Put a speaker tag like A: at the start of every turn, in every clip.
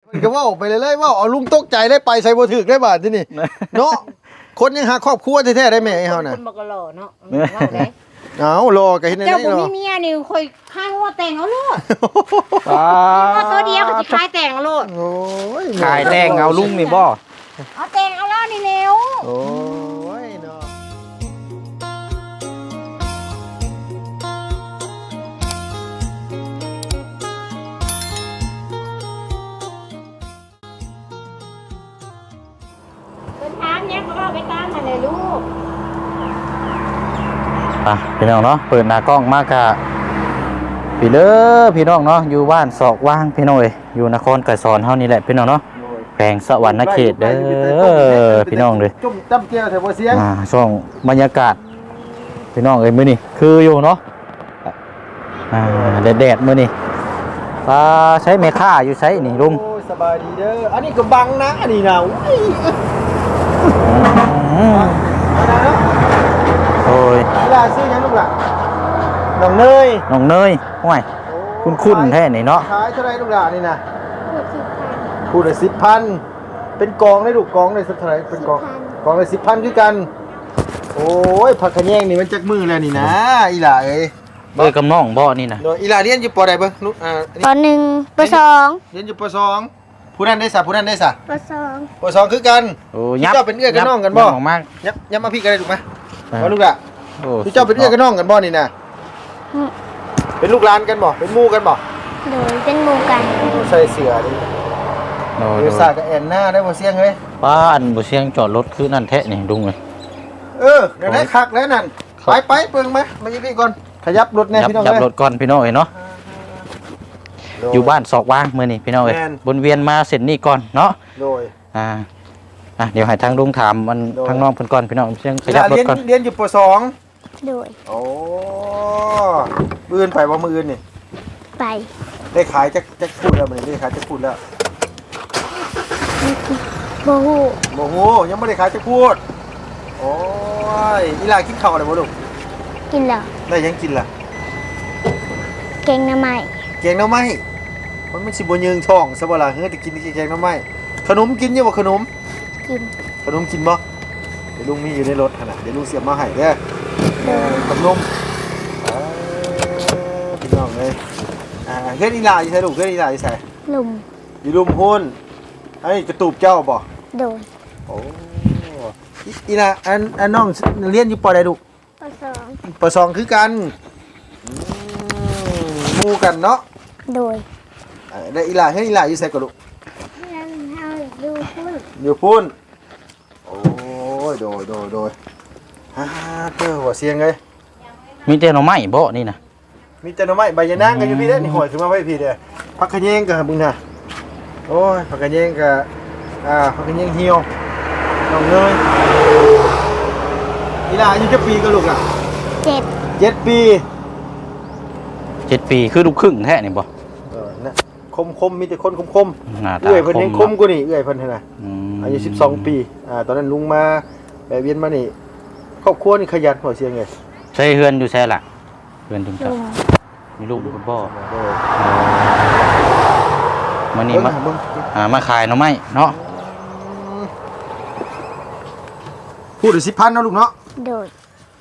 A: ก็ว่าไปเลยว่าเอาลุงตกใจได้ไปใส่บ่ถึกได้บาดที่นี่เนาะคนยังหาครอบครัวแท้ๆได้แม่เฮาน่ะ
B: คนบ่ก็รอเนาะว่าได้
A: เอารอก็เฮ็ดได้
B: เจ้าบ่
A: เนาะ
B: มีเมียนี่ค่อยค้างว่าแต่งเอาโลด
C: ป้า
B: ว่าตัวเดียวก็สิขายแต่งเอาโลด
A: โอ้ย
C: ขายแดงเอาลุงนี่บ่
B: เอาแต่งเอาแล้วนี่เร็ว
A: โอ้ยเนาะ
B: เดินทางเนี่ยก็เอาไปตามมาเลยลูก
C: อ่ะพี่น้องเนาะเปิดหน้ากล้องมากกะพี่เด้อพี่น้องเนาะอยู่บ้านศอกว่างพี่น้องเอ้ยอยู่นครไกรสอนเฮานี่แหละพี่น้องเนาะแขวงสวรรณเขตเด้อพี่น้องเด้อ
A: จุ่มจ้ำเกี้ยวแถวบ่เสียง
C: ช่วงบรรยากาศพี่น้องเอ้ยมื้อนี้คืออยู่เนาะแดดๆมื้อนี้ปลาใช้เมค่าอยู่ใช้นี่ลุง
A: โอ้ยสบายดีเด้ออันนี้ก็บังนะอันนี้นะโอ้ยเอานะเนาะ
C: โอ้ย
A: เวลาซื้อหยังลูกหล่ะน้องเนย
C: น้องเนยห่วยคุ้นๆแท้นี่เนาะ
A: ขายเท่าไหร่ลูกหล่ะนี่นะพูดละ10,000เป็นกองได้ลูกกองได้สักเท่าไหร่เป็นกองละ10,000คือกัน โอ้ยผักขะแยงนี่มันจักมือแล้วนี่นะอีหล่าเอ้ย
C: เอ้ยกับน้องบ่นี่นะ
A: โดยอีหล่าเรียนอยู่ปอใดเบิ่งลูก
D: ปหนึ่งปสอง
A: เรียนอยู่ปสองผู้นั้นได้ซะผู้นั้นได้ซะ
D: ปสอง
A: ปสองคือกัน
C: โอ้
A: พี่เจ้าเป็นเอื้อกับน้องกันบ่
C: ยัออกมาก
A: ยับมาพี่กันได้ถูกไหมว่าลูกหล่ะ
C: โอ้
A: พี่เจ้าเป็นเอื้อกับน้องกันบ่นี่นะเป็นลูกหลานกันบ่เป็นหมู่กันบ่
D: โดยเป็นหมู่กัน
A: ใส่เสื้อดิ
C: โอ้
A: เดี๋ยวสากับแอนหน้าได้บ่เสียงเฮ้ย
C: ป้าอันบ่เสียงจอดรถคือนั่นแท้นี่ดุงเลย
A: เดี๋ยวได้คักแล้วนั่นไปเปิงมาอยู่พี่ก่อนขยับรถแน่พี่น้อง
C: ยับ
A: เอ้ย
C: รถก่อนพี่น้องเอ้ยเนาะอยู่บ้านศอกว่างมื้อนี้พี่น้องเอ้ย
A: แม่น
C: วนเวียนมาเส้นนี้ก่อนเนาะ
A: โดย
C: เดี๋ยวให้ทางลุงถามมัน
A: โดย
C: ทางน้องเพิ่นก่อนพี่น้องเสียงขยับรถก่อน
A: เรียนอยู่ปสอง
D: โดย
A: โอ้มื้ออื่นไปบ่มื้ออื่นนี่
D: ไป
A: ได้ขายจักพูดแล้วมื้อนี้ได้ขายจักพูดแล้ว
D: โบหู
A: โอ้โหยังไม่ได้ขายจักพูดโอ้ยอีหลากินข้าวอะไรบ่ลูก
D: กินเหรอ
A: ได้ยังกินล่ะ
D: เก่งน้ำไม้
A: แกงหน่อไม้มันไม่สิบ่ยืงท้องซะบ่ล่ะเฮ้ยแต่กินแกงหน่อไม้ขนมกินอยู่บ่ขนม
D: กิน
A: ขนมกินบ่เดี๋ยวลุงมีอยู่ในรถขนาดเดี๋ยวลุงเสียบมาให้เด้อ
D: โดย
A: ขนมพี่น้องเลยเฮ็ดอีหลาอยู่ไสลูกเฮ็ดอีหลาอยู่ไส
D: ลุม
A: อยู่ลุมหุ้นไอ้กระตูบเจ้าบ่
D: โดย
A: โอ้อีหลาอันน้องเรียนอยู่ปอใดลูก
D: ปสอง
A: ปสองคือกันหมู่กันเนาะ
D: โดย
A: ได้อีหลาเฮ็ดอีหลาอยู่ไสก็ลูก
D: แล้วเฮาดูพุ่น
A: อยู่พุ่นโอ้ยโดยเด้อหัวเสียงเลย
C: มีแต่หน่อไม้บ่นี่นะ
A: มีแต่หน่อไม้ใบยะนางกันอยู่พี่เด้อนี่หอยขึ้นมาไว้พี่เด้อผักขะแยงก็มึงน่ะโอ้ยผักขะแยงก็ผักขะแยงเหี่ยวน้องเนยอีหลาอายุจะปีก็ลูกอ่ะ
D: 7
A: 7 ปี
C: 7 ปีคือลูกครึ่งแท้นี่บ่
A: นะคมมีแต่คนคม
C: หน้า
A: ๆ
C: ตา
A: เอื้อยเพิ่นยังคม
C: เนาะ
A: กว่านี่เอื้อยเพิ่นหั่นน่ะ
C: ม
A: อายุ12 ปีตอนนั้นลุงมาแวะเวียนมานี่ครอบครัวนี่ขยันหัวเสียงไง
C: ใช้เฮือนอยู่ใช่ล่ะเฮือนถึง
D: ลุ
C: จะ
D: ง
C: มีลูกอยู่กับพ่อ
A: โอ้ย
C: มื้อนี้มา
A: เบิ่ง
C: มาขายหน่อไม้เนาะ
A: พูดถึง10,000เนาะลูกเนาะ
D: โดย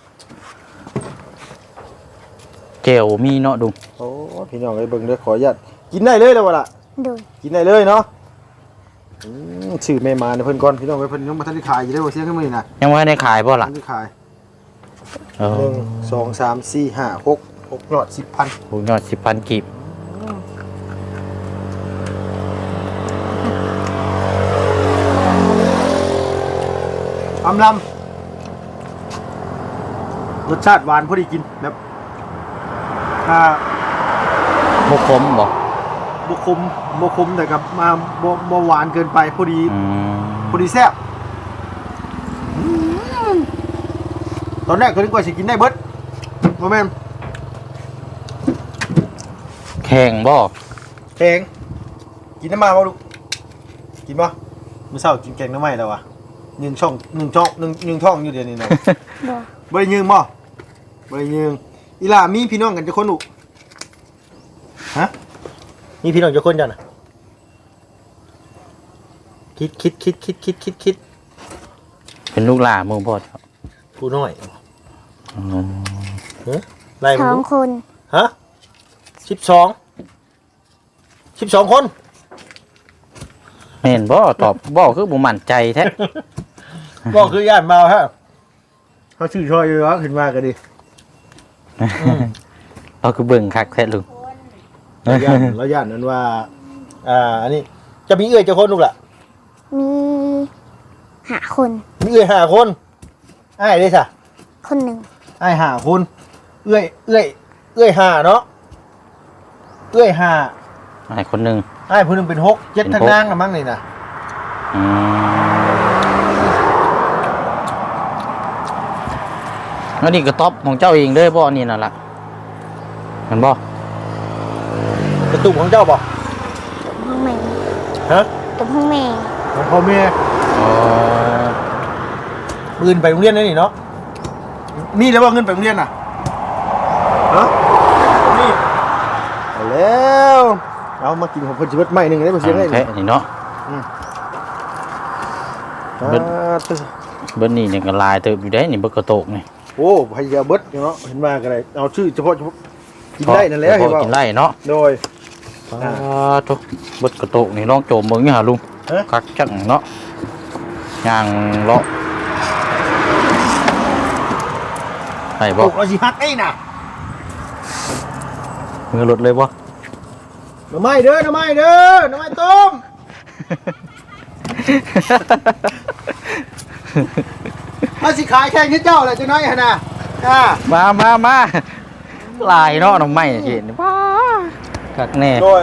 C: เจลมีเนาะดุง
A: โอ้พี่น้องเอ้ยเบิ่งเด้อขออนุญาตกินได้เลยแล้วบ่ล่ะ
D: โดย
A: กินได้เลยเนาะชื่อแม่มาเนี่ยเพิ่นก่อนพี่น้องเอ้ยเพิ่นยังบ่ทันได้ขายอยู่เด้อบ่เสียงกันมื้อนี้น่ะ
C: ยังบ่ได้ขายบ่ล่ะ
A: ทันได้ขาย
C: เออ
A: 1 2 3 4 5 6ยอด 10,000
C: หูยอด 10,000 กีบ
A: อำลำรสชาติหวานพอดีกินแบบ
C: บ่ขมบ่
A: บ่คมแต่กับมาบ่หวานเกินไปพอดี
C: อืม
A: พอดีแซ่บตอนแรกก็นึกว่าสิกินได้เบิดบ่แม่น
C: แข็งบ่
A: แกงกินน้ำมาบ่ลูกกินบ่มื้อเช้ากินแกงน้ำไหม้แล้ววะ1 ช่องอยู่เดี๋ยวนี้นะ
D: บ่
A: บ่ได้ยืงบ่บ่ได้ยืงอีหล่ามีพี่น้องกันจักคนลูกฮะมีพี่น้องจักคนจ้ะน่ะคิด
C: เป็นลูกหลานหมู่บ่เจ้า
A: ผู้น้อย
C: อืม
A: ไล่
D: ส
A: มึ
D: อง
A: ง
D: คน
A: ฮะ12คน
C: แม่นบ่ตอบบ่คือบ่มั่นใจแท้
A: ก็คือย่านเมาฮะเขาชื่อชอยอยู่วะขึ้นมากันดิ
C: เราคือเบิ่งคักแท้ลุง
A: เราย่านนั้นว่าอันนี้จะมีเอื้อยเจ้าคนลูกล่ะ
D: มีหาคน
A: มีเอื้อย5คนอ้ายได้ซะ
D: คนหนึ่ง
A: อ้าย5คนเอื้อย5เนาะเอื้อย5
C: ไอ้คนหนึง
A: อ้ายผู้หนึงเป็น6 7ทั้งนางละมั้งนี่น่ะ
C: อืมแล้วนี่ก็ตอบของเจ้าเองเด้อบ่นี่นั่นล่ะแมันบ่
A: กระตุกของเจ้าบ่
D: ห้องแม่
A: ฮะ
D: กับห้องแม่
A: ของพ่อแม่
C: อ๋อ
A: ปืนไปโรงเรียนนี่เนาะมีแล้วว่าเงินไปโรงเรียนน่ะฮะนี่เอาแล้วเอามากินของเพิ่นสิเบิดใหม่นึงได้บ่เสียงได้
C: แท้นี่เนาะ เบิด เบิ่นนี่เนี่ยก็ลายเติบอยู่ได้นี่เบิกกระโตกนี่
A: โอ้พยาเบิดเนาะเห็นมากันเลยเอาชื่อเฉพาะกินได้นั่นแหละ
C: เฉ
A: เห็น
C: พาะ
A: ป่า
C: กินได้เนาะ
A: โดย
C: ทุกเบิดกระโตกนี่ลองโจมเบิ่งนี่หาลุง
A: ฮะ
C: คักจังเนาะย่างเลาะไปบ่
A: ปลูกเราสิฮักไอ้น่ะ
C: มือหลุดเลยบ่
A: หน่อไม้เด้อหน่อไม้เด้อหน่อไม้ต้มมาสิขายแข่งที่เจ้าแหละจังน้อยหั่นน่ะ
C: มาลายเนาะน้องไม้เห็นว้าคักแน่
A: โดย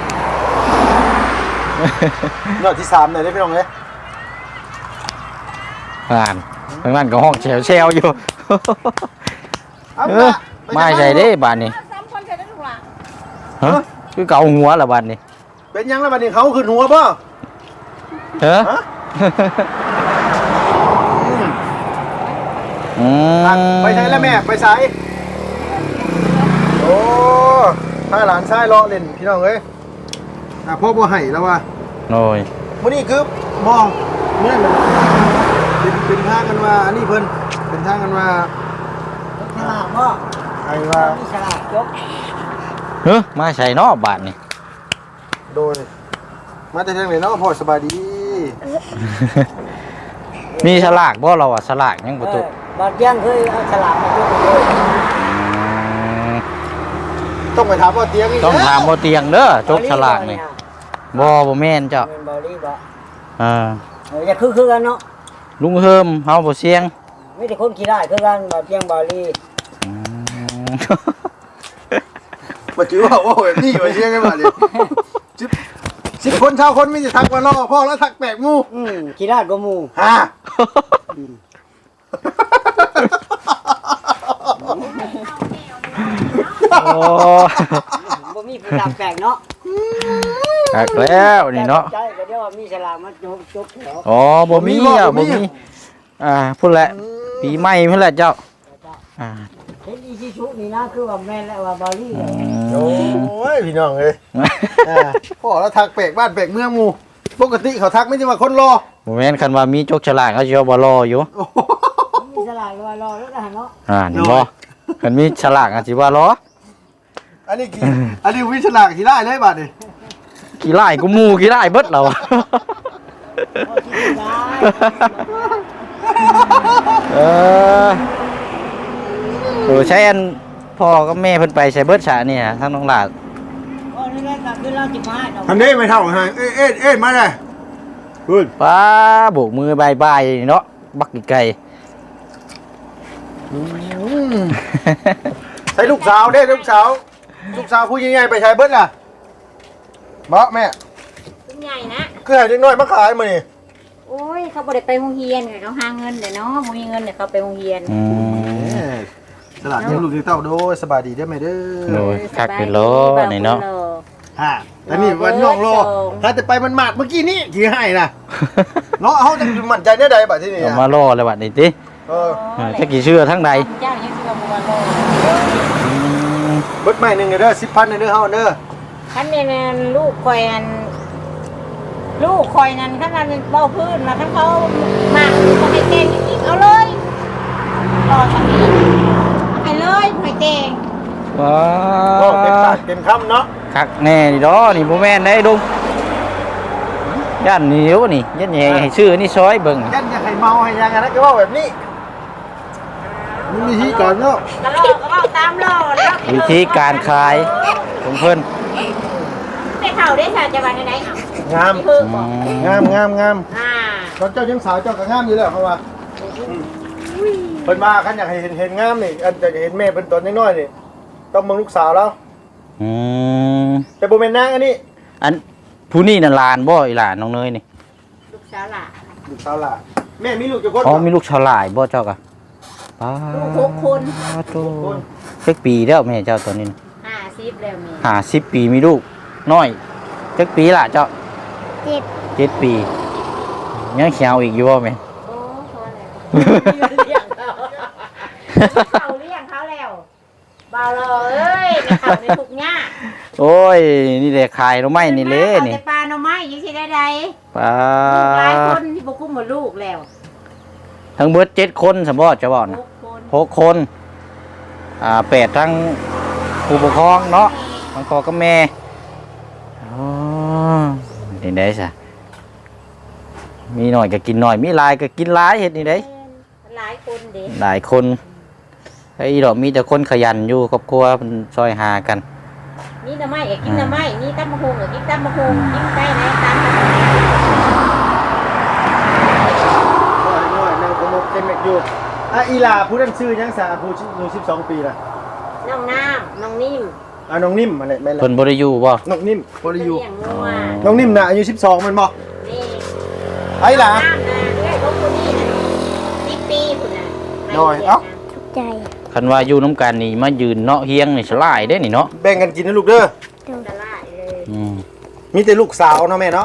A: ยอดที่3เลยได้พี่น้องเอ้ย
C: ผ่านทางนั้นก็ห้องแชวอยู่
A: เอา
C: เอ
A: ล่ะ
C: อไม่ใช่เด้บาดนี้
B: ซ้ำคนเสร็จแล้วลูกหล่ะ
C: ฮะคือเกาหัวละบาดนี้
A: เป็นยังแล้วบัดนี้เขาขึ้นหัวบ่
C: เฮ้อ
A: ฮะ
C: อืม
A: ไปใช้แล้วแม่ไปใช้โอ้ถ้าหลานชายรอเล่นพี่น้องเอ้ยพ่อบ่ให้แล้วว่า
C: โอ้ย
A: มื้อนี้คือมองเนี่ยมันเป็นทางกันว่าอันนี้เพิ่นเป็นทางกันว่า
B: ฉลาดพ่อ
A: ไอ้ว่า
B: มีฉลาดยก
C: เฮ้อมาใส่เนาะบาดนี้
A: โดยมาแต่ทางไหนเนาะพ่อสบายดี
C: มีฉลากบ่เราอ่ะฉลากยังบ่ตุ
B: บาดยังเคยเอาฉลาดมายกเลย
A: ต้องไปถามว่าเตียงอีก
C: ต้องถามบ่เตียงเด้อจกฉลากนี่บ่แม่นเจ้า
B: เป็นบอลลี่บ่
C: อ่า
B: อย่าคือกันเนาะ
C: ลุงเฮิมเฮาบ่เสียง
B: ไม่ได้คนขี้ได้คือกันบาดยังบอลลี่
C: อืม
A: มาจื้อว่าโอ้ยนี่มาเชียงกันมาเลย10คนชาวคนมีแต่ทักมารอพ่อแล้วทักแปลกงู
B: ขี้ได้ก็มู
A: ฮะ
C: โอ้
B: บ่มีผู้ดับแปลกเนาะ
C: หักแล้วนี่เนาะ
B: ใจก็เดี๋ยวว่ามีฉลาดมาจกแถว
C: อ๋อบ่มีอ่ะบ่มีพุ่นแหละปีใหม่พุ่นแหละเจ้าอ่า
B: เห็นอีชิชุนี่นะคือว่าแม่นแล้วว่าบอลลี่
A: โอ้ยพี่น้องเอ้ยพ่อแล้วทักแปลกบ้านแปลกเมืองหมู่ปกติเขาทักไม่ใช่ว่าคนรอ
C: บ่แม่นคันว่ามีจกฉลากเขาสิว่าบ่รออยู่
B: มีฉลาดว่ารอแล้วนะเนาะ
C: นี่บ่คันมีฉลากอาจสิว่ารอ
A: อันนี้วิชลากที่ได้เลยบัดนี่
C: กี่ไล่กูหมู่กี่ไล่เบิดแล้วอะ
B: พอที่ได้
C: เออใช้อันพ่อกับแม่เพิ่นไปใช้เบิดฉะนี่ฮะทั้งน้องหลาน
B: พอนี่แหละก็คือเราจิมา
A: ทำได้ไม่เท่าฮะเอ้ยมาเลยคุณ
C: ป้าโบกมือบายบายเนาะบักอีกไก่
A: ใส่ลูกสาวได้ลูกสาวผู้ใหญ่ๆไปใช้เบิดล่ะบ่แม่
B: เป็นใหญ่นะ
A: คือให้เด็กน้อยมาขายมานี่
B: โอ้ยเขาบ่ได้ไปโรงเรียนไงเขาหาเงินเดี๋ยวเนาะบ่มีเงินเดี๋ยวเขาไปโรงเรียน
A: สลัดยังลูกเต้าโดยสบายดีได้ไหมเด้อ
C: โดยคักเป็นโลนี่เนาะ
A: ฮะอันนี้วันน้องโลถ้าจะไปมันหมาดเมื่อกี้นี้ที่ให้นะเนาะเขาจะมั่นใจได้ใดบัดที่นี่
C: เอามาล่อเลยบัดนี้ติ
A: เออ
C: จะกี่เชื่อทั้งใด
B: เจ้ายังสิว่าบ่ว่าโล
A: เบิดใหม่หนึ่งเด้อ10,000เด้อเฮาเด้อ
B: คันแม่นลูกข่อยอันลูกคอยนั้นถ้ามันเบาพื้นมาถ้าเขาหมักเขาให้เต้งอีกเอาเลยรอสักนิดให้เลยให้เต้ง
C: ว้า
A: โอ้เต็มปากเต็มคำเนาะ
C: คักแน่นี่ดอนี่บ่แม่นได้ดุงย่านเหนียวนี่ยันแยงให้ชื่อนี่ซอยเบิ่ง
A: ยันอยากให้เมาให้ยังไงนะก็ว่าแบบนี้มันมีที่ก่อนเนาะ
B: กระโลกก็เบาตามโลแล้ว
C: วิธีการขายของเพิ่น
B: ไปเข่าได้ค่ะจะวันไหนเอา
A: งาม
B: ที่เพิ่มบอก
A: งามงามงาม
B: อ่า
A: ตอนเจ้ายังสาวเจ้าก็งามอยู่แล้วเขาว่าเพิ่นมาคันอยากให้เห็นงามนี่อันจะเห็นแม่เป็นตอนน้อยๆนี่ต้องมองลูกสาวแล้ว
C: อืม
A: แต่บ่แม่นนางอันนี้
C: อันผู้นี่น่ะหลานบ่อีหลานน้องเนยนี่
B: ลูกสาวหล่ะ
A: ลูกสาวหล่ะแม่มีลูกกี่คน
C: อ๋อมีลูกชาวหลายบ่เจ้ากะป้า
B: ลูก6 คน
C: โตจักปีแล้วแม่เจ้าตัวนี้น่ะ
B: 50แล้วมี
C: 50ปีมีลูกน้อยจักปีล่ะเจ้า
D: เจ็ด
C: 7ปียังเขียวอีกอยู่บ่แม่
B: โอ้พอแล้วเลี้ยงเขาเลี้ยงเขาแล้วเบาเลยเอ้ยในเขาในทุกหญ้า
C: โอ้ยนี่แหละขายหน่อไม้นี่เลยนี่
B: เอาแต่ปลาหน่อไม้ยังสิได้ใด
C: ป้า
B: ลูกหลายคนที่บ่คุ้มหมดลูกแล้ว
C: ทั้งเบิด7คนสมบ่จะบอกนะ
B: 6 คน
C: 6คน8ทั้งผู้ปกครองเนาะทั้งพ่อกับแม่อ๋อนี่ได้ซะมีหน่อยก็กินหน่อยมีหลายก็กินหลายเฮ็ดนี่ได้
B: หลายคนเด้
C: หลายคนไอ้ดอกมีแต่คนขยันอยู่ครอบครัวเพิ่นซอยหากัน
B: นี่หน่อไม้กินหน่อไม้นี่ตำมะฮุงกินตำมะฮุงกินไก่ไหนตำ
A: น้อยๆนั่งขโมกเต็มแม็กอยู่อ่ะอีหล่าผู้นั้นชื่อยังสาผู้อายุ12ปีล่ะ
B: น้องน้ำน้องนิ่ม
A: อ่ะน้องนิ่มมาเลยแม่นล่ะ
C: เพิ่นบ่ได้อยู่บ่
A: น้องนิ่มบ่ได้อยู่
B: เลี้ยงงัว
A: น้องนิ่มน่ะอายุ12มันบ่
B: นี่
A: ไอ้ล่ะ
B: น้ำนะเลี้ยงลูกคนนี้นะ10 ปีพุ่นน่ะ
A: น้อยเอ้า
D: ทุกใจ
C: คันว่าอยู่น้ำกันนี่มายืนเนาะเฮียงนี่สลายเด้นี่เนาะ
A: แบ่งกันกินนะลูกเด้อ
B: ตลาดเลย
C: อืม
A: มีแต่ลูกสาวเนาะแม่เนาะ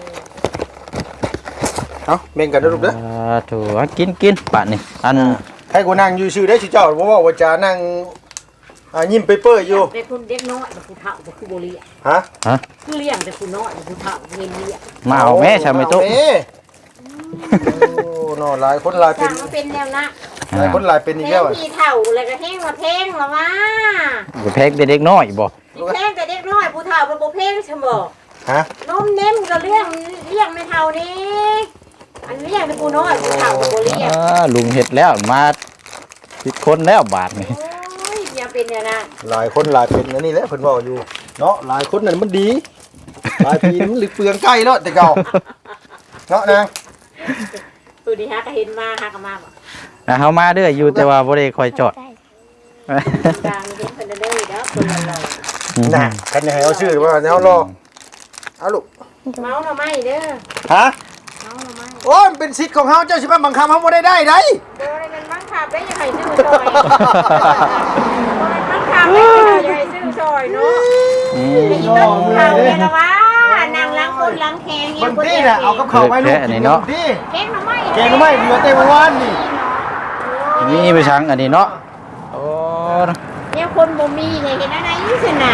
A: เอาแบ่งกันนะลูกเด้อ
C: ถูกกินปะนี่อัน
A: ให้กูนั่งอยู่ชื่อได้ชื่อเจ้าบ่ว่าว่าจะนั่งยิ้มเปเปอร์อยู่
B: เป็นคนเด็กน้อยเป็นผู้เฒ่าเป็นผู้บ่เลี้ยง
A: ฮะ
B: คือเลี้ยงแต่ผู้น้อยเป็นผู้เฒ่าเห็นเลี้ยง
C: มาเอาแม่ชาไม่ตุ๊ก
A: โอ้เนาะหลายคนหลายเป็
B: สั่
A: น
B: งมาเป็นแนวนะ
A: หลายคนหลายเป็นอีก
B: เพล
A: แล้ว
B: ง
A: อะ
B: ทีเฒ่าแล้วก็เพลงมาเพลงละว่า
C: ก็แพ็กเด็กน้อยบ่
B: เพลงแต่เด็กน้อยผู้เฒ่าเป็นบ่เพลงใช่บ่
A: ฮะ
B: นมเน้มก็เลี้ยงไม่เท่านี้อันเลี้ยงเป็นผู้น้อยผู้เฒ่าก็บ่เลี้ยง
C: ลุงเฮ็ดแล้วมา10คนแล้วบาทนี่
B: โอ้ยอย่าเป็นอย่างนั้น
A: หลายคนหลายเป็นอันนี้แหละเพิ่นเว้าอยู่เนาะหลายคนนั่นมันดีหลายปีมันหรือเปลืองใกล้แล้วแต่เก่าเนาะนาง
B: ตัวนี้ฮะก็เห็นมาฮะก็มาบ่
C: เฮามาเด้ออยู่แต่ว่าบ่ได้คอยจอด
B: กลางเห็นเพิ่นได้เด้อคนละร้อย
A: น่ะกันให้เอาชื่อว่าเฮารอเอาลูก
B: เมาหน่อไม้เด้อ
A: ฮะ
B: เมาหน่อไม้
A: โอ้ยมันเป็นสิทธิ์ของเฮาเจ้าสิมาบังคับเฮาบ่ได้ได้
B: บ่ได้เป็นบังคับได้ยังไงซื้อซอยบ่ได้บังคับได้ยังไงซื้อซอยเนาะ
C: อืม
B: ไอ้ต้นเขาเนี่ยละว่านางล้างคนล้างแขง
A: บางทีน่ะเอากับข้าวไว้ลูกกินเนาะดิ
B: แกงหน่อไม้
A: แกงหน่อไม้เหลือแต่เมื่อวานนี่
C: มีไปชังอันนี้เนาะโอ้
B: เนี่ยคนบ่มีไงเห็นอะไรยิ่งสนา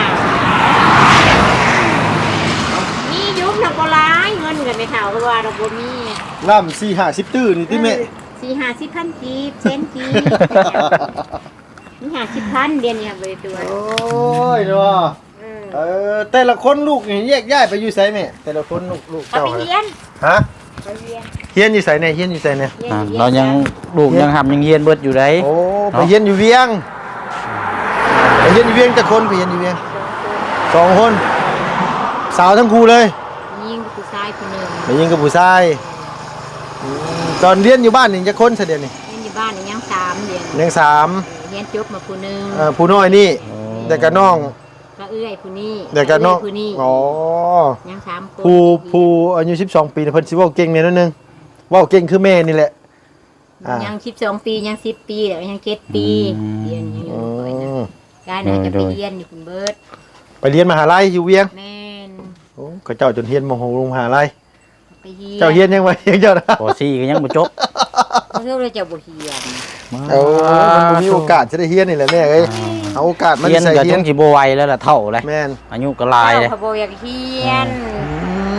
B: มียุบนักโบราณเงินกันไม่เท่าเพราะว่าเราบ่มี
A: ล่ำ4-50ตื้อนี่ติแม่
B: 40-50,000กีบเซนกีบนี่50,000เดือนนี้ครับเลยตัว
A: โอ้ยเนาะแต่ละคนลูกนี่แยกย้ายไปอยู่ไสแม่แต่ละคนลูก
B: เขา
A: เจ้า
B: ไปเรียน
A: ฮะ
B: ไปเรียน
A: เฮียนอยู่ไสเนี่ยเฮียนอยู่ไสเนี่ย
C: เรายังลูกยังหำยังเฮียนเบิดอยู่ได้
A: โอ้ไปเฮียนอยู่เวียงไปเฮียนอยู่เวียงแต่คนไปเฮียนอยู่เวียง2คนสาวทั้งคู่เลย
B: ยิงผู้ชายคนหนึ่ง
A: ไปยิงกับผู้ชายตอนเรียนอยู่บ้านนี่จะคนเสยเดียวนี่
B: เรียนอยู่บ้านนี่ยัง3เดือน
A: ยังสาม
B: เรียนจบมาผู้หนึง
A: ผู้น้อยนี่แต่กับน้อง
B: ก็เอื้อยผู้นี้
A: แต่กับน้อง
B: ผู้นี้
A: อ๋อ
B: ยัง3คน
A: ผู้อายุ12 ปีน่ะเพิ่นสิเว้าเก่งแน่นอนนึงเว้าเก่งคือแม่นี่แหละ
B: ยัง12 ปียัง10 ปีแล้วยัง7 ปีเรียนยังอยู่ก่อยนะกายน่าจะไปเรียนอยู่คุณเบิร์ด
A: ไปเรียนมหาลัยอยู่เวียง
B: แม่น
A: โอ้ก็เจ้าจนเฮียนมโหลงมหาลัย
B: ไปเรียน
A: เจ้าเฮียนยังไงเจ้านะ
C: ปอซี่ก็ยังบ่จบ
B: เขาเรียกว่าเจ้าบ่เรียน
A: โอ้มันบ่มีโอกาสจะได้เฮียนนี่แหละแม่เอ้ยเอาโอกาสมัน
C: เฮียน
A: ใส่
C: ก็
A: เฮี
C: จั
A: ยน
C: งสิบ่ไหวแล้วล่ะเท่าเลย
A: แม่น
C: อายุก็หลายเลย
B: เขาบ่อยากเรียน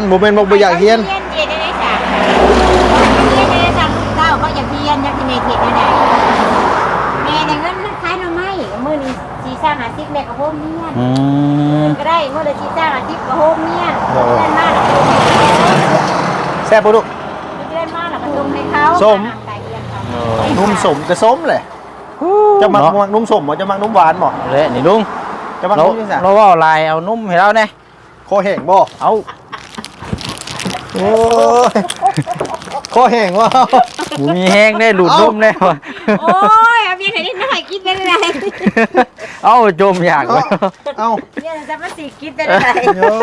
A: บ่แม่นบ่อยากเฮียน
B: เฮียนเฮ็ดได้จ้ะเฮียนได้จ้ะเจ้าเขาอยากเฮียนอยากสิแม่เฮ็ดได้แม่ได้เงินขายหน่อไม้มื้อนี้สิสร้างหาซิกแม่ก็โฮมเฮียนก็ได้มื้อละสิสร้างหาซิกก็โฮมเฮียนเล่นมาแล้วก็
A: แซ่บบ่ลูก
B: เล่นมาแล้วก็ส่งให้เขา
A: ส้ม
B: ไก่เฮียนเขา
A: นุ่มสมกระส้มแหละจะมักนุ่มสมบ่จะมักนุ่มหวานบ่
C: เละนี่ลุง
A: จะมัก
C: เรา
A: นุ่มจังซั่น
C: เราว่าลายเอานุ่มให้เราแน่
A: คอแห้งบ่
C: เอา
A: โอ้ยคอแห้งว่ะ
C: บ่มีแห้งได้หลุดนุ่มแน่ว่ะ
B: โอ้ยเอาเบียร์ไหนนิดหน่อยกินได้เลย
C: เอ้าจมอยากว่ะ
A: เอ้า
B: เนี่ยจะมาสิกินได้เลย
A: โอ้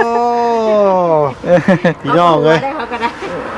A: พี่น้องเอ้ย
B: ได้เขาก็ได้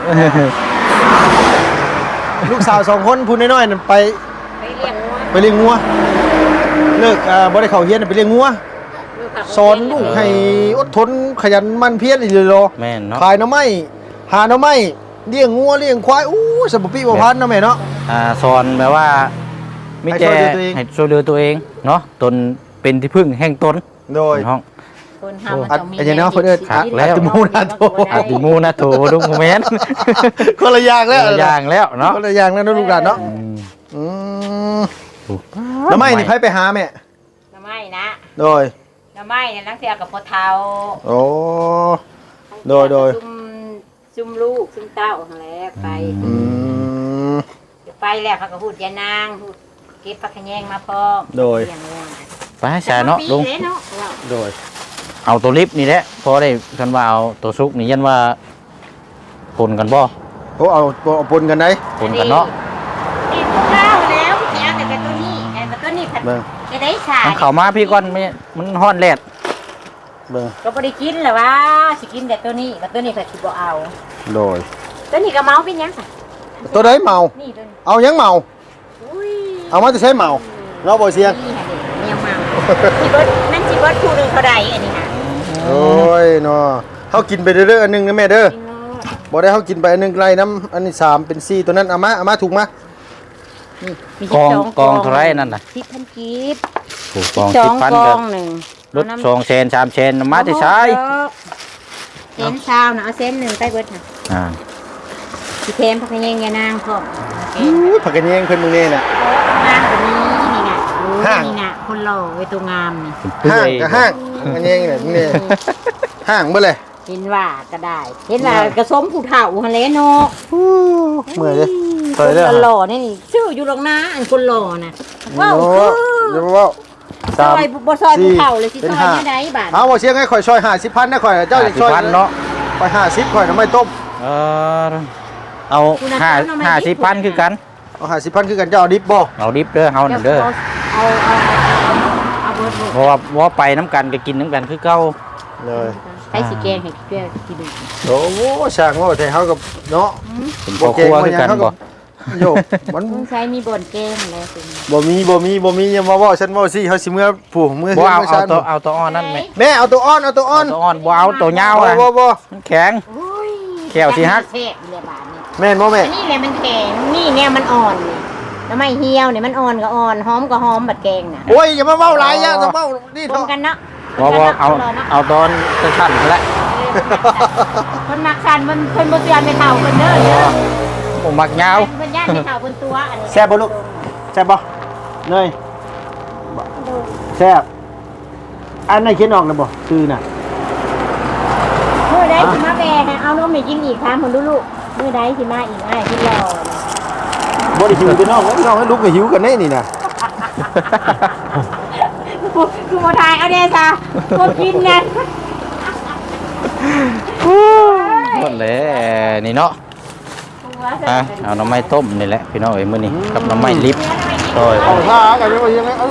A: ลูกสาว2คนผู้น้อยๆนั่นไป
B: ไปเลี้ยงวัว
A: เลิกบ่ได้เข้าเฮียนไปเลี้ยงงัวสอนลูกให้อดทนขยันหมั่นเพียรอีหลีโล
C: แม่นเนาะ
A: ขายหน่อไม้หาหน่อไม้เลี้ยงงัวเลี้ยงควายอู้สมบูรณ์ปีบ่พันเนาะแม่เนาะ
C: สอนแบบว่ามีแต่
A: ให้ช่วยเหลือตัวเอง
C: ให้ช่วยเหลือตัวเองเนาะตนเป็นที่พึ่งแห่งตน
A: โดย
C: ห้อง
B: คนทำมัน
A: อัด
B: ต้องมี
A: อันนี้เนาะเพิ่นเอิ้น
C: คักแล้ว
A: อัดมูนาโต
C: อาติมูนะโถลุงโมเมนต์
A: คนละอย่างแล้ว
C: อย่างแล้วเนาะ
A: คนละอย่างแล้วเนาะลูกหลานเนาะ
C: อืม
A: อืมหน่อไม้นี่ไผไปหาแม่
B: น้ำไม้นะ
A: โดย
B: น้ำไม้เนี่ยนักเสียกับพ่อเฒ่า
A: โอ้โดย
B: ซุ่มลูกซุ่มเต้าทั้งแล้วไป
A: อืม
B: ไปแล้วเขาก็พูดยานางพูดเก็บผักขะแยงมาพร้อม
A: โดย
B: เลี้ยงวัว
C: ไปให้ชาเนาะลุง
B: ปีเนาะว่า
A: โดย
C: เอาตัวลิฟต์นี่แหละพอได้กันว่าเอาตัวซุกนี่ยันว่าปนกันบ่
A: โอ้เอาปนกันได้
C: ปนกันเนาะ
B: กินข้าวแล้วแค่แต่ตัวนี้แต่ตัวนี้ผัด
A: เบิ่ง
B: จะได้ชา
C: มันเข้ามาพี่ก่อนมันฮ้อนแลด
A: เบิ่ง
B: ก็บ่ได้กินแหละว่าสิกินแต่ตัวนี้แต่ตัวนี้ผัดสิบ่เอา
A: โดย
B: ตัวนี้ก็เมาเป็นหยังซะ
A: ตัวใดเมา
B: นี่ตัวนี้
A: เอายังเมา
B: อุ้ย
A: เอามาจะใช้เมาเราบ่เสียง
B: นี่ฮะเด็กเมียเมาสิเบิดนั่นสิเบิดผู้หนึงเท่าใดอันนี้ฮะ
A: โอ้ยเนาะเฮากินไปเด้อๆอันหนึงนะแม่เด้อ
B: กินโลด
A: บ่ได้เฮากินไปอันหนึงไล่น้ำอันนี้3เป็น4ตัวนั้นเอามาถูกมา
B: นี่มี
C: กอง
B: 12
C: กองเท่าไรนั่นน่ะ
B: 10,000กีบ
C: ถูกกอง
B: สอ
C: สิ
B: ง
C: บพัน
B: ก
C: กั
B: อน งหนึ่ง
C: รถ2เชน3เชนมาที่ใช้
B: เส้นเช้านะเอาเส้นหนึ่งใต้เบิดค่ะ
C: อ่า
B: พี่เทมพักแยงยานางพร้อมโอเค
A: อู้ผักกระเนียงเพิ่นมื้อนี้น่ะ
B: งามแบบนี้นี่ไง
A: ห้าง
B: นี่ไงคนหล่อไว้ตัวงามนี่
A: ห้างก็ห้างผักกระเนียงเนี่ยนี่ห้างเบ่เลย
B: เห็นว่าก็ได้ เห็นว่ากระสมผู้เฒ่าฮันเลโน
A: เมื่อยเด้อ
B: ค
A: เด้อ
B: นหล่อนี่ชื่ออยู่ตรงหน้าอันคนหล่อน่ะว้าว
A: โอ้
B: คือ
A: เดี๋ยวเว้า
B: ซอยบ่ซอยผู้เฒ่าเลยสิซอยเนี่ยได้บาท
A: เอาบ่เสียงให้ข่อยซอย50,000นะข่อยเจ้าจะซอย
C: 50,000เนาะ
A: ข่อย50ข่อยน้ำไม่ต้ม
C: เอา50,000คือกัน
A: เอา50,000คือกันเจ้าเอาดิบบ่
C: เอาดิบเด้อเฮานั่นเด้อ
B: เอาเบิด
C: เพราะว่าไปน้ำกันก็กินน้ำกันคือเก่า
A: เลย
B: ให้สิแกงให้เปรี้ยวกินดู
A: โอ้โหช่างว่าแต่เฮากับเนาะ
C: เป็นพ่อครัวคือกันบ่
A: โยมัน
B: มึงใช้มีบ่นแกงอะไรสิ
A: บ่มีอย่ามาเว้าฉันเว้าสิเฮาสิเมื่อผู้เมื่อ
C: บ่เอา
A: ฉัน
C: เอาตัวอ่อนนั่นไหม
A: แม่เอาตัวอ้อนเอาตัวอ้อน
C: ตัวอ่อนบ่เอาตัวยาวอ่ะ
A: บ่
C: มันแข็ง
B: โอ้ย
C: แขวสิฮัก
B: แซ่บเลยบาทนี่
A: แม่นบ่แม่
B: อันนี้แหละมันแข็งนี่เนี่ยมันอ่อนนี่แล้วไม่เหี่ยวเนี่ยมันอ่อนก็อ่อนหอมก็หอมบัดแกงน่ะ
A: โอ้ยอย่ามาเว้าหลายอย่าต้องเว้านี่
B: ร
A: เถ
B: วม
A: อะ
B: กันเนาะ
C: บ่เอาตอนสั้นๆแหละ
B: คนมักสันมันเพิ่นบ่เตือนไม่เท่าเพิ่นเด้อเด้อ
C: ผมมักยาว
B: เพิ่นย่านไม่เท่าเพิ่นตัวอันนี้
A: แซ่บบ่ลูกแซ่บบ่เนยแซ่บอันไหนเขียนออกแล้วบ่คือน่ะ
B: มื้อใดสิมาแบ่ให้เอานมให้กินอีกถามเพิ่นดูลูกมื้อใดสิมาอีกอ้ายที่รอ
A: บ่ได้หิวพี่น้องพี่น้องให้ลูกก็หิวกันแน่นี่น่ะ
B: คือบ่ทายเอาเด้ซะบ่กินนะ
C: หมดเลยนี่เนาะเอาน้ำไม้ต้มนี่แหละพี่น้องเอ้ยมื้อนี้กับน้ำไม้ลิฟโอ้ย
A: เอาท่ากันไปยังไงเอา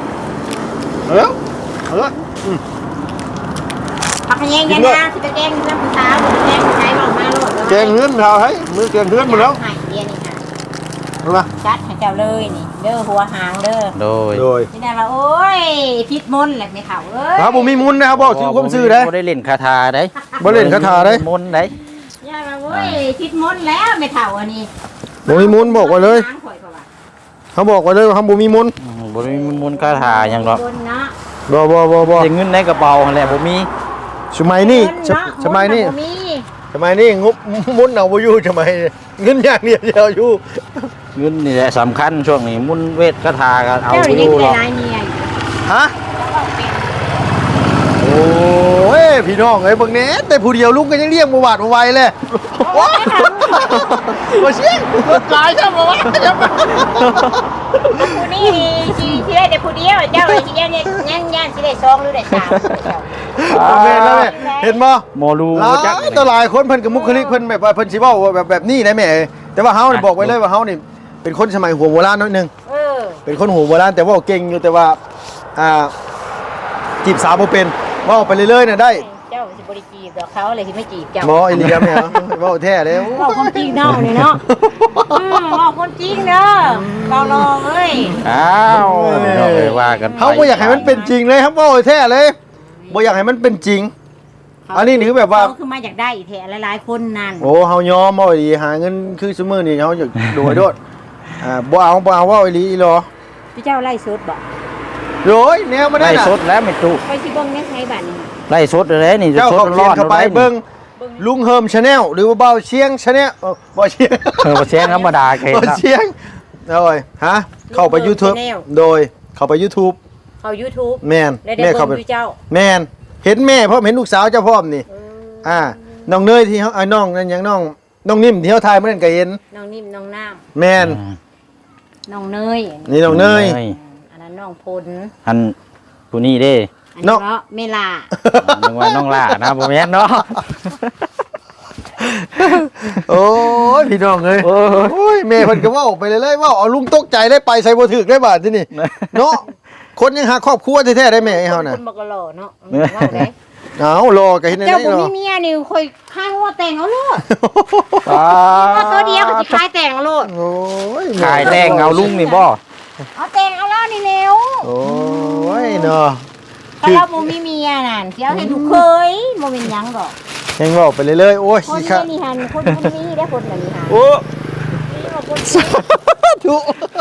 B: ผักแยงยันนางสิไปแกงน้ำผู้สาวแกงใช้บอกมาโลด
A: แกงเฮือนเฮาให้มือแกงเฮือนหมดแล้ว
B: ให้เดียนี่ค่ะ
A: เอามา
B: จัดให้เจ้าเลยนี่เด้อหัวหางเด้อ
C: โดย
A: โดย
B: นี่ได้ว่าโอ้ยพิษมนต์แหละไม่เฒ่าเอ้ย
A: ครับผมมีมุนนะครับบอกชื่อความชื่อได้
C: บ่ได้เล่นคาถาได้
A: บ่เล่นคาถาได้
C: มนต์ได้
B: ย่าว่าโอ้ยพิษมนต์แล้วไม่เฒ่าอันนี้
A: บ่มีมุนบอกไว้เลย
B: หางข่อยก็ว่า
A: เขาบอกไว้เลยว่าเขาบ่มีมุน
C: บ่ได้มีมนต์คาถาหยังหรอก
B: บนเนาะ
A: บ่
C: แต่เงินในกระเป๋าหั่นแหละบ่มี
A: สมัยนี้
B: เงิเาะ
A: สมัยนี้
B: มนต์บ่มี
A: ทำไมนี่งบมุนเอาบ่อยู่ทำไมเงินอย่างเดียวอยู่
C: เงินนี่แหละสำคัญช่วงนี้มุนเวทกระทากันเอา
B: เจ้า
C: อ
B: นี่
C: ยู่
B: คือ
C: หรอก
B: ลายเมียอยู่
A: ฮะโอ้ยพี่น้องเอ้ยเบิ่งแหน่แต่ผู้เดียวลุงก็ยังเรียกบ่หวาดบ่ไหวเลยโอ้ยบ่เชี่ยรถหลายใช่บ่วะ
B: ผู้นี่สิได้แต่ผู้เดียวเจ้าเลยสิได้ย่านสิได้2หรือได้3
A: แม่นแล้วแม่เห็นบ่
C: โมลู
A: หลา
C: จัก
A: ยต่อหลายคนเพิ่นกับมุคลิกเพิ่นแบบว่าเพิ่นสิเว้าแบบนี้นะแม่แต่ว่าเฮานี่บอกไว้เลยว่าเฮานี่เป็นคนสมัยหัวโบราณน้อยหนึง เป็นคนหัวโบราณแต่ว่าเก่งอยู่แต่ว่าจีบสาวบ่เป็นเว้าไปเรื่อยๆน่ะได้
B: เจ้าสิบ่ได้จีบดอกเขาเลยสิไม่จีบเจ้า
A: หมออีหลีครับแม่เว้าแท้เลย
B: เว้าความจริงเนาะนี่เนาะเว้าความจริงเด้อเว้าลองเอ้ย
C: อ้าวพี่น้องเอ้ยว่ากันไป
A: เฮาบ่อยากให้มันเป็นจริงเลยครับเว้าแท้เลยบ่อยากให้มันเป็นจริง อันนี้นี่คือแบบว่า
B: เขคือมาจากได้แท้หลายๆคนนั่น
A: โอ้เฮายอมเว้าอีหลีหาเงินคือซุมื้อนี้เฮาอยากโดยโดดบ่เอาเว้าอีหลีอีหรอ
B: พี่เจ้าไล่สดบ่
A: โอ้ยแนวบ่ได้
C: ไล่
A: น่ะ
C: สดแล้วไม่ตุ
B: ไปสิเบิ่งในไสบัดนี้
C: ไล่สดเลยนี่จะ
A: เจ้า
C: ส
A: เขา
C: ด
A: เขี
C: ร้
A: ย
C: อน น
A: เข้าไปเบิ่งลุงเฮิมชาแนลหรือว่าเบาเชียงชาแนลเบาเชียง
C: เสียงธรรมดาเค
A: เบา
C: นะ
A: เชียงโดยฮะเข้าไป YouTube โดยเข้าไป YouTube
B: เข้า YouTube
A: แม่น
B: แล้วได้
A: แม่
B: เบิ่
A: เข้าง ไป
B: อยู่เจ้า
A: แม่นเห็นแม่พร้อมเห็นลูกสาวเจ้าพร้อมนี่น้องเนยที่เฮาน้องนั่นหยังน้องนิ่มที่เฮาถ่ายมื้อนั้นก็เห็น
B: น้องนิ่มน้องน้
A: แม่น
B: ำน้องเนย
A: นี่น้องเนย
B: อันนั้นน้องพล
C: อันผู้นี้เด้
B: อันนี้เนาะเมลา
C: นึกว่าน้องล่านะบ่แม่นเนาะ
A: โอ้ยพี่น้องเอ้ยโอ้ยแม่เพิ่นก็เว้าไปเลยๆเว้าเอาลุงตกใจได้ไปใส่บ่ถึกได้บาดที่นี่เนาะคนยังหาครอบครัวแท้ๆได้แม่ไอ้เฮาน่ะ
B: คนบ่กะหล่อเนาะว่าไง
A: เอารอก็เห็นได้
B: เจ้าบ่
A: เนาะ
B: มีเมียนี่ค่อยคายหัวแต่งเอาโลด
C: อ้า
B: เอาตัวเดียวก็สิคายแต่งเอาโลด
A: โอ้ย
C: ขายแดงเอาลุงนี่บ่
B: เอาแต่งเอาแล้วนี่เร็ว
A: โอ้ยเนาะ
B: ถ้าเราบ่มีเมียนั่นสิเอาให้ลูกเคยบ่เป็นหยังดอก
A: ยังบอกไปเรื่อยๆโอ้ย
B: คน
A: สิค่ะ
B: นี่หันคนนี้ได้คนแบบนี้หัน
A: โอ้
B: นี่ว่าคน
A: ทุ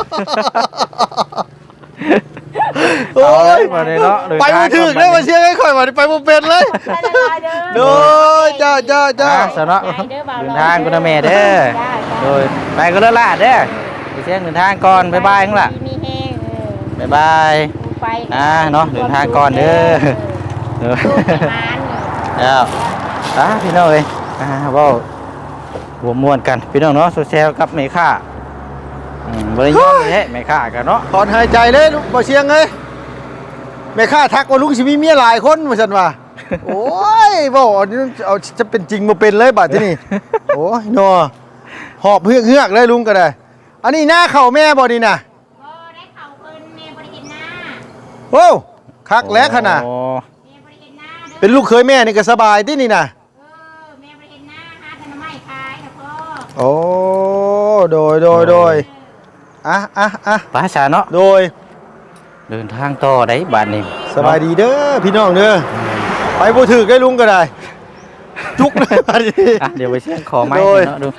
A: โอ้
C: เอาเลย
A: ย
C: มาเลยเนาะ
A: ไปบ่ถึกเลยมาเชียร์ให้ข่อยมาไปบ่เป็นเลย
B: ไปละลายเด้อ
A: โดยจ้า
C: จ้าสนเนาะ
B: เด้อบ่าว
C: เดินทางคุณแม่เด้อโดยไปก็เลิศลาดเด้อไปเชียงเดินทางก่อนบ๊ายบายข้างล่ะ
B: มีแห้ง
C: บ๊ายบาย
B: ไป
C: เนาะเดินทางก่อนเด้อเด้อ
B: ลูกให้มาน
C: แล้วพี่น้องเอ้ยเว้าหัวม่วนกันพี่น้องเนาะโซเชียลกับแม่ค้าบ่ได้ยอมแท้แม่ค้ากันเนาะ
A: ถอนหายใจเลยลูกบ่เชียงเอ้ยแม่ข้าทักว่าลุงสิมีเมียหลายคนว่าซั่นว่าโอ้ยบ่เอาจะเป็นจริงบ่เป็นเลยบัดที่นี่โอ้ยเนาะหอบเฮือกๆเลยลุงก็ได้ อันนี้หน้าเข้าแม่บ่นี่น่ะ
B: บ่ได้เข้าเพิ่นแม่บ่ได้กินหน้า
A: โอ้คักแล้วขนาด
C: โอ้
B: แม่บ่ได้กินหน้าเด้อ
A: เป็นลูกเคยแม่นี่ก็สบายตินี่น่ะ
B: แม่บ่ได้กินหน้าหาแต่น้ำไม้ขายนะพ่อ
A: โอ้โดยอ่ะ
C: ป้าชาเนาะ
A: โดย
C: เดินทางต่อได้บัดนี้
A: สบายดีเด้อพี่น้องเด้อไปบ่ถึกได้ลุงก็ได้ จุกเลยบัดนี้
C: เดี๋ยวไปเชียงขอไม้
A: โดย
C: เนาะดู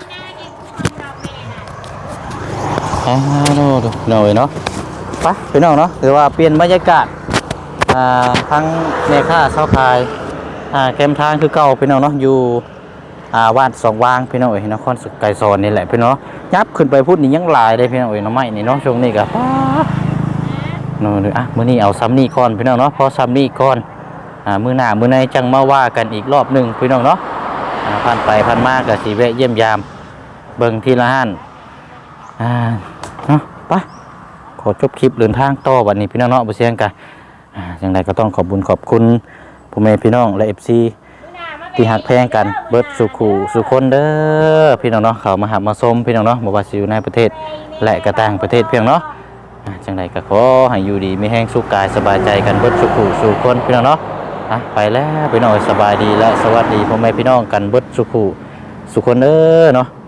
C: ดูหน่อยเนาะไปพี่น้องเนาะถือว่าเปลี่ยนบรรยากาศทั้งแม่ค้าเช้าขายแคมทางคือเก่าพี่น้องเนาะอยู่วาดสองวางพี่น้องเอ๋ยนครสุขไก่ซอนนี่แหละพี่น้องยับขึ้นไปพูดนี่ยังหลายเลยพี่น้องเอ๋ยน้องไม้นี่เนาะช่วงนี้ก็นู่นมื้อนี้เอาซ้ำนี่ก่อนพี่น้องเนาะพอซ้ำนี่ก่อนมื้อหน้ามื้อในจังมาว่ากันอีกรอบหนึงพี่น้องเนาะผ่านไปผ่านมาก็สิแวะเยี่ยมยามเบิ่งทีละห้านเนาะไปขอจบคลิปเดินทางต่อวันนี้พี่น้องเนาะบ่เสียงกันอย่างไรก็ต้องขอบคุณพ่อแม่พี่น้องและ FC ที่หักแพงกันเบิดสุขูสุคนเด้อพี่น้องเนาะเขามาหับมาชมพี่น้องเนาะบ่ว่าสิอยู่ในประเทศและก็ต่างประเทศเพียงเนาะจังไดก็ขอให้อยู่ดีมีแห้งสุขกายสบายใจกันเบิดสุขูสุคนพี่น้องเนาะไปแล้วพี่น้องสบายดีและสวัสดีพ่อแม่พี่น้องกันเบิดสุขูสุคนเด้อเนาะ